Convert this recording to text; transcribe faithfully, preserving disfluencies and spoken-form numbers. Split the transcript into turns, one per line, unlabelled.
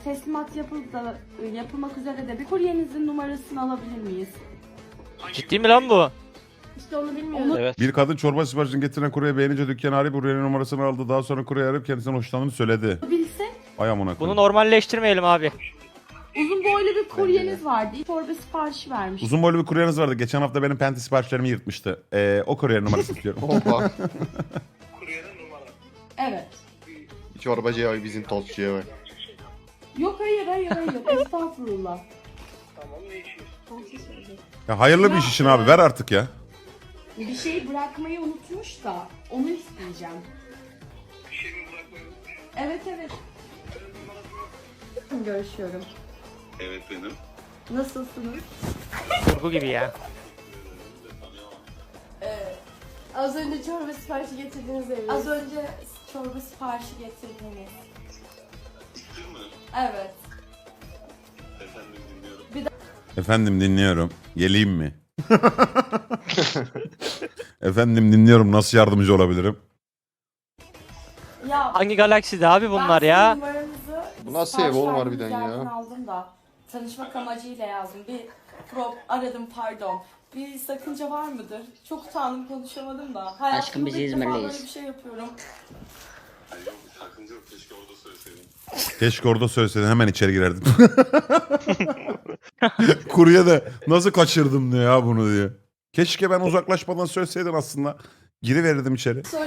teslimat yapılıp da yapılmak üzere de bir kuryenizin numarasını alabilir miyiz?
Ciddi mi lan bu?
İşte onu bilmiyorum.
Evet.
Bir kadın çorba siparişini getiren kurye beğenince dükkanı arayıp kuryenin numarasını aldı. Daha sonra kurye arayıp kendisinden hoşlandığını söyledi.
Bilsek
Ay amına
Bunu
koyayım.
normalleştirmeyelim abi.
uzun boylu bir kuryeniz vardı. Çorba siparişi vermiş.
Uzun boylu bir kuryeniz vardı. Geçen hafta benim penti siparişlerimi yırtmıştı. Ee, o kuryenin numarasını istiyorum.
Hoppa.
Evet.
Çorbacıya bak, bizim tostçuya bak.
Yok hayır hayır hayır. Estağfurullah.
Ya hayırlı bir iş için abi, ver artık ya.
Bir şey bırakmayı unutmuş da onu isteyeceğim. Evet evet. Görüşüyorum.
Evet benim.
Nasılsınız?
Kurgu gibi ya.
Az önce çorba siparişi getirdiğiniz evi.
Az önce çorba siparişi getirdiniz.
Değil mi?
Evet.
Efendim dinliyorum.
Efendim dinliyorum. Geleyim mi? Efendim dinliyorum. Nasıl yardımcı olabilirim?
Ya
Hangi galakside abi bunlar
ben
ya?
sizin numaranızı
Bu nasıl
sipariş
ev oğlum
verdiğiniz
harbiden ya?
yerden aldım da tanışmak amacıyla yazdım. Bir prop aradım pardon. Bir sakınca var mıdır? Çok utandım konuşamadım da. Hayatımda
Aşkım, biz
ilk defa
İzmirliyiz.
böyle bir şey yapıyorum.
Ay yok bir sakınca yok. Keşke orada söyleseydin.
Keşke orada söyleseydin, hemen içeri girerdim. Kurye de nasıl kaçırdım diyor ya bunu diye. Keşke ben uzaklaşmadan söyleseydin aslında. Giriverirdim içeri.